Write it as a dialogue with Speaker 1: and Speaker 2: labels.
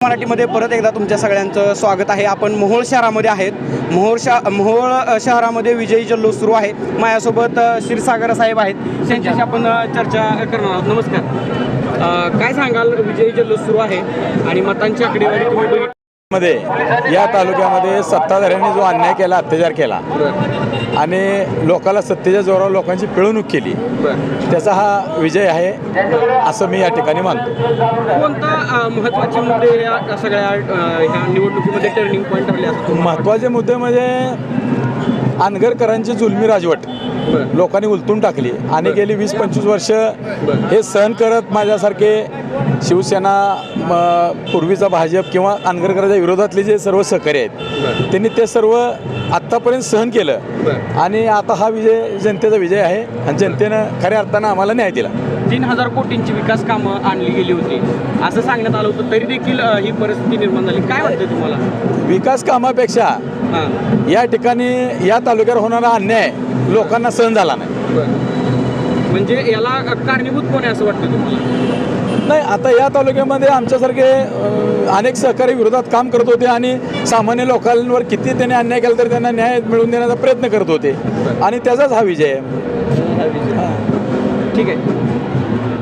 Speaker 1: मराठीमध्ये परत एकदा तुमच्या सगळ्यांचं स्वागत आहे. आपण मोहोळ शहरामध्ये आहेत. मोहोळ शहरामध्ये विजयी जल्लोष सुरू आहे. माझ्यासोबत क्षीरसागर साहेब आहेत, त्यांच्याशी आपण चर्चा करणार आहोत. नमस्कार. काय सांगाल, विजयी जल्लोष सुरू आहे आणि मतांची आकडेवारी तुम्ही बघितली
Speaker 2: मध्ये या तालुक्यामध्ये सत्ताधाऱ्यांनी जो अन्याय केला, अत्याचार केला आणि लोकांना सत्तेच्या जोरावर लोकांची पिळवणूक केली, त्याचा हा विजय आहे असं मी या ठिकाणी मानतो.
Speaker 1: कोणता महत्त्वाचे मुद्दे या सगळ्या ह्या निवडणुकीमध्ये टर्निंग पॉईंट ठरले असतात?
Speaker 2: महत्त्वाचे मुद्दे म्हणजे अनगरकरांची जुलमी राजवट लोकांनी उलटून टाकली आणि गेली 20-25 वर्ष हे सहन करत माझ्यासारखे शिवसेना, पूर्वीचा भाजप किंवा अनगरकरांच्या विरोधातले जे सर्व सहकारी आहेत त्यांनी ते सर्व आत्तापर्यंत सहन केलं आणि आता हा विजय जनतेचा विजय आहे आणि जनतेनं खऱ्या अर्थानं आम्हाला न्याय दिला.
Speaker 1: 3000 कोटींची विकास कामं आणली गेली होती असं सांगण्यात आलं होतं, तरी देखील ही परिस्थिती निर्माण झाली. काय वाटतं तुम्हाला?
Speaker 2: विकास कामापेक्षा या ठिकाणी या तालुक्यावर होणारा अन्याय लोकांना सहन झाला नाही.
Speaker 1: म्हणजे याला कारणीभूत कोण आहे असं वाटतं तुम्हाला?
Speaker 2: नाही, आता या तालुक्यामध्ये आमच्यासारखे अनेक सहकारी विरोधात काम करत होते आणि सामान्य लोकांवर किती त्यांनी अन्याय केला तरी त्यांना न्याय मिळवून देण्याचा प्रयत्न करत होते आणि त्याचाच हा विजय आहे.
Speaker 1: ठीक आहे.